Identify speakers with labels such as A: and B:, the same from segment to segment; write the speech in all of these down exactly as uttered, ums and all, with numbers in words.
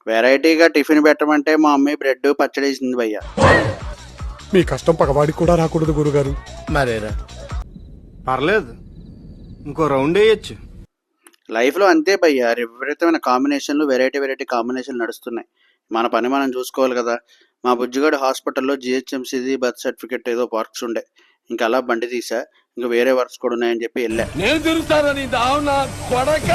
A: వెరైటీగా టిఫిన్ పెట్టమంటే మా అమ్మాయి బ్రెడ్ పచ్చడి వేసింది భయ్య.
B: మీ కష్టం పగవాడికి కూడా రాకూడదు గురుగారు.
C: మరేరా పర్లేదు, ఇంకో రౌండ్ వేయచ్చు.
A: లైఫ్లో అంతే భయ్య, విపరీతమైన కాంబినేషన్లు, వెరైటీ వెరైటీ కాంబినేషన్లు నడుస్తున్నాయి. మన పని మనం చూసుకోవాలి కదా. మా బుజ్జిగాడు హాస్పిటల్లో జిహెచ్ఎంసీది బర్త్ సర్టిఫికెట్ ఏదో వర్క్స్ ఉండే, ఇంకా అలా బండి తీసా, ఇంకా వేరే వర్క్స్ కూడా ఉన్నాయని చెప్పి వెళ్ళా.
D: నేను తిరుగుతానని దావునా కొడక.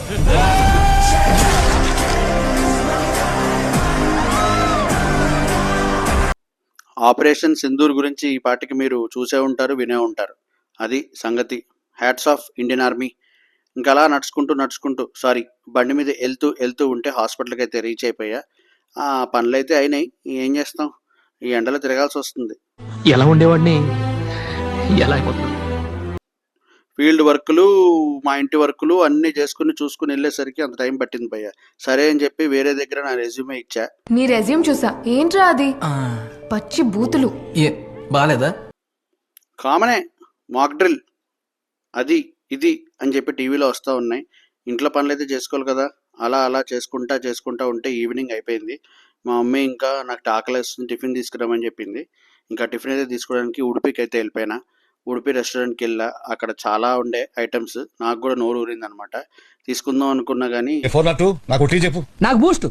A: ఆపరేషన్ సింధూర్ గురించి ఈ పాటికి మీరు చూసే ఉంటారు, వినే ఉంటారు. అది సంగతి. Hats off Indian army. ఇంకా అలా నడుచుకుంటూ నడుచుకుంటూ సారీ బండి మీద వెళ్తూ వెళ్తూ ఉంటే హాస్పిటల్కి అయితే రీచ్ అయిపోయా. ఆ పనులు అయితే అయినాయి, ఏం చేస్తాం, ఈ ఎండలో తిరగాల్సి వస్తుంది.
E: ఎలా ఉండేవాడిని ఎలా అయిపోతుంది.
A: ఫీల్డ్ వర్కులు, మా ఇంటి వర్కులు అన్నీ చేసుకుని చూసుకుని వెళ్ళేసరికి అంత టైం పట్టింది భయ్య. సరే అని చెప్పి వేరే దగ్గర నా రెజ్యూమే ఇచ్చా.
F: నీ రెజ్యూమ్ చూసా, ఏంట్రా అది పచ్చి బూతులు.
E: ఏ బాలేదా?
A: కామనే, మాక్ డ్రిల్ అది ఇది అని చెప్పి టీవీలో వస్తూ ఉన్నాయి. ఇంట్లో పనులు అయితే చేసుకోవాలి కదా. అలా అలా చేసుకుంటా చేసుకుంటా ఉంటే ఈవినింగ్ అయిపోయింది. మా మమ్మీ ఇంకా నాకు ఆకలి వేస్తుంది, టిఫిన్ తీసుకురామని చెప్పింది. ఇంకా టిఫిన్ అయితే తీసుకోవడానికి ఉడిపికి అయితే వెళ్ళిపోయినా. ఉడిపి రెస్టారెంట్కి వెళ్ళా. అక్కడ చాలా ఉండే ఐటమ్స్, నాకు కూడా నోరు ఊరింది అనమాట. తీసుకుందాం అనుకున్నా కానీ
E: నాకు బూస్ట్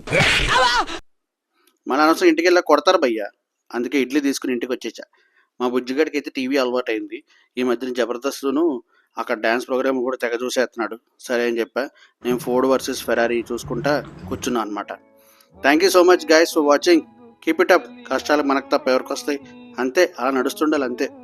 A: మన అనవసరం ఇంటికి వెళ్ళా కొడతారు భయ్య. అందుకే ఇడ్లీ తీసుకుని ఇంటికి వచ్చేసా. మా బుజ్జిగాడికి అయితే టీవీ అలవాటు అయింది. ఈ మధ్యన జబర్దస్త్ను అక్కడ డ్యాన్స్ ప్రోగ్రామ్ కూడా తెగ చూసేస్తున్నాడు. సరే అని చెప్పా. నేను ఫోర్డ్ వర్సెస్ ఫెరారీ చూసుకుంటా కూర్చున్నా అనమాట. Thank you so much guys for watching. Keep it up. కష్టాలు మనకు తప్ప ఎవరికి వస్తాయి, అంతే, అలా నడుస్తుండాలి అంతే.